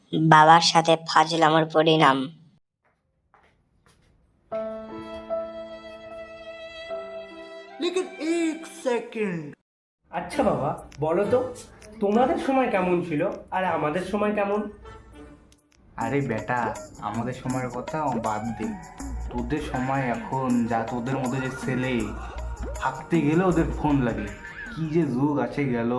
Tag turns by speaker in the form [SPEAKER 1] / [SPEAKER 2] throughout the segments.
[SPEAKER 1] বাবার সাথে ফাজলামোর পরিণাম।
[SPEAKER 2] लेकिन एक सेकंड।
[SPEAKER 3] আচ্ছা বাবা, বলো তো তোমাদের সময় কেমন ছিল আর আমাদের সময় কেমন?
[SPEAKER 4] আরে বেটা, আমাদের সময়ের কথা বাদ দে। তোদের সময় এখন যা, তোদের মধ্যে যে ছেলে হাঁকতে গেলে ওদের ফোন লাগে। কি যে যুগ আছে গেল।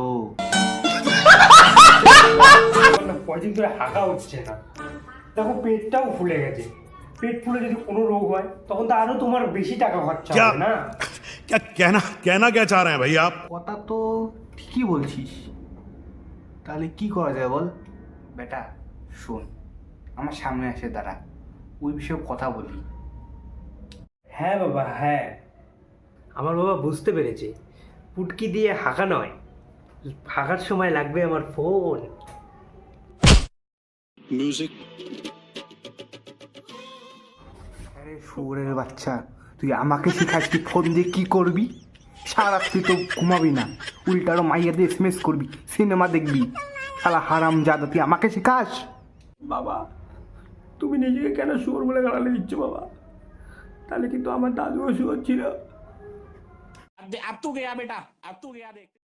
[SPEAKER 3] কয়দিন ধরে হাঁকা হচ্ছে না, দেখো পেটটাও ফুলে গেছে। পেট ফুলে যদি কোনো রোগ হয় তখন তো আরো তোমার বেশি টাকা খরচা হবে না?
[SPEAKER 5] क्या कहना कहना क्या चाह रहे हैं भाई आप?
[SPEAKER 4] কথা তো ঠিকই বলছিস, তাহলে কি করা যায় বল? বেটা শোন, আমার সামনে এসে দাঁড়া, ওই বিষয়ে কথা বলি।
[SPEAKER 3] হ্যাঁ বাবা, হ্যাঁ, আমার বাবা বুঝতে পেরেছে। পুটকি দিয়ে হাঁকা নয়, হাঁকার সময় লাগবে আমার ফোন।
[SPEAKER 4] আরে শুয়োরের বাচ্চা, তুই আমাকে শিখাস তুই ফোন দিয়ে কি করবি? সারা তুই তো ঘুমাবি না, উল্টা আরো মাইয়া দিয়ে এসএমএস করবি, সিনেমা দেখবি। শালা হারাম জাদা, তুই আমাকে শিখাস?
[SPEAKER 3] বাবা, তুমি নিজেকে কেন শুয়োর বলে গালালে দিচ্ছ বাবা? তাহলে কিন্তু আমার দাদুও শুয়োর ছিল।
[SPEAKER 6] अब तू गया बेटा, अब तू गया देख।